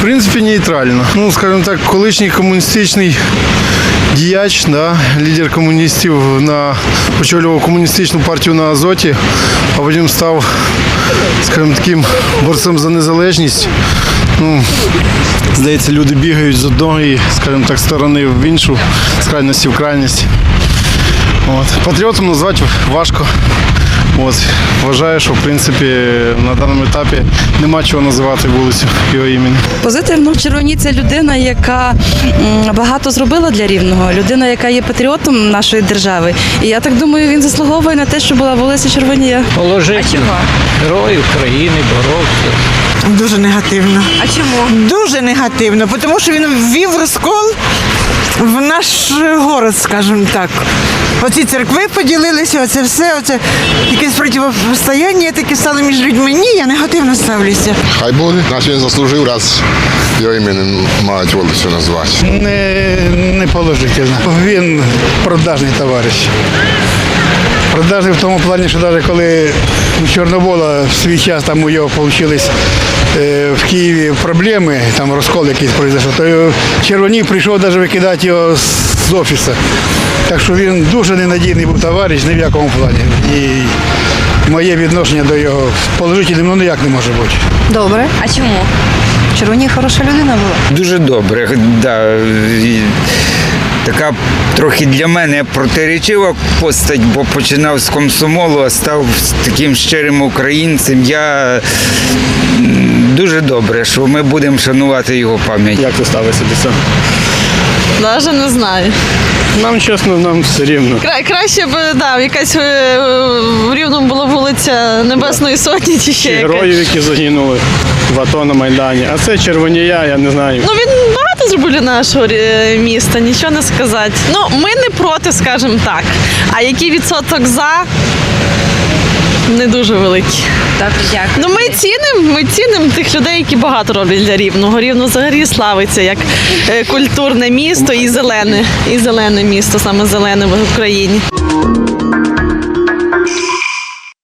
принципі, нейтрально. Ну, скажімо так, колишній комуністичний діяч, да, лідер комуністів, очолював комуністичну партію на Азоті, а потім став, скажімо, таким борцем за незалежність. Ну, здається, люди бігають з одної, скажімо так, сторони в іншу, з крайності в крайність. Патріотом назвати важко. Вважаю, що в принципі на даному етапі нема чого називати вулицю його імені. Позитивно. Червоні – це людина, яка багато зробила для Рівного, людина, яка є патріотом нашої держави. І я так думаю, він заслуговує на те, що була вулиця Червонія. Положительно. Герой України, боровся. Дуже негативно. А чому? Дуже негативно, тому що він ввів розкол в наш город, скажімо так. Оці церкви поділилися, оце все, оце якесь протистояння таке стало між людьми. Ні, я негативно ставлюся. Хай буде, наш він заслужив, раз його іменем мають вулицю назвати. Не положительно. Він продажний товариш. Продажний в тому плані, що навіть коли у Чорновола в свій час там у його вийшли в Києві проблеми, там розкол якийсь пройшов, то Червоній прийшов навіть викидати його з офісу. Так що він дуже ненадійний був товариш, ні в якому плані. І моє відношення до його положительним ніяк не може бути. Добре. А чому? Червоній хороша людина була. Дуже добре, да. Така трохи для мене протирічива постать, бо починав з комсомолу, а став таким щирим українцем. Я дуже добре, що ми будемо шанувати його пам'ять. Як ти ставишся до цього? Навіть не знаю. Нам, чесно, нам все рівно. Краще б, якась в Рівному була вулиця Небесної Сотні чи ще якась. Героїв, які загинули в АТО на Майдані. А це Червонія, я не знаю. Ну, він багато зробив для нашого міста, нічого не сказати. Ну, ми не проти, скажімо так. А який відсоток за? Не дуже великий. Так, дякую. Ну, ми цінимо тих людей, які багато роблять для Рівного. Рівно взагалі славиться як культурне місто і зелене місто, саме зелене в Україні.